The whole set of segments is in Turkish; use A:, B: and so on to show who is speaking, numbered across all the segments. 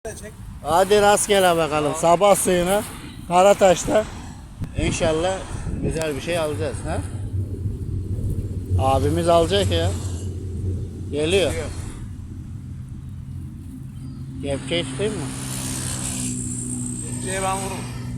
A: de çek.
B: Hadi rastgele bakalım. Sabah suyuna Karataş'ta İnşallah güzel bir şey alacağız. Ha? Abimiz alacak ya. Geliyor. Kepçeyi tutayım mı?
A: Kepçeye ben vururum.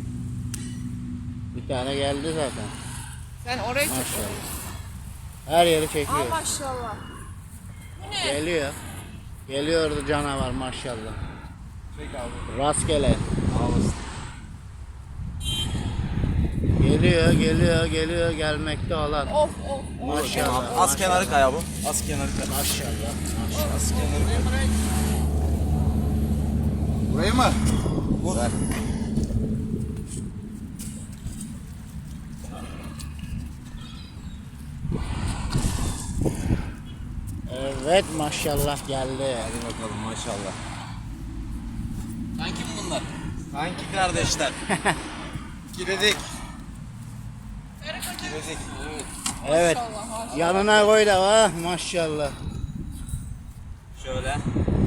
B: Bir tane geldi zaten.
C: Sen oraya çek.
B: Maşallah. Her yeri
C: Aa
B: çekiyor.
C: maşallah. Bu ne?
B: Geliyor. Geliyordu canavar maşallah.
A: Çek abi.
B: Rastgele.
A: Ağlasın.
B: Geliyor gelmekte olan.
C: Of of.
B: Maşallah.
A: Az kenarı kaya bu. Az kenarı kaya.
B: Maşallah.
A: Az kenarı kaya. Burayı mı? Vur. Ver.
B: Evet maşallah geldi.
A: Hadi bakalım maşallah. Kanki bunlar. Kanki kardeşler. Giredik. Giredik.
B: Evet.
C: Maşallah, maşallah.
B: Yanına koy da ha maşallah.
A: Şöyle.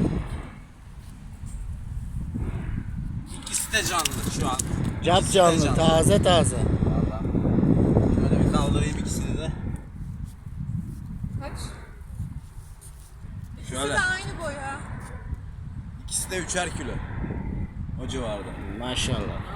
A: İkisi de canlı şu an.
B: Cap
A: İkisi de
B: canlı, taze.
A: Vallahi. Böyle bir kaldırayım ikisini de.
C: Kaç? İkisi
A: Şöyle.
C: de aynı boya.
A: İkisi de 3'er kilo. O civarda.
B: Maşallah.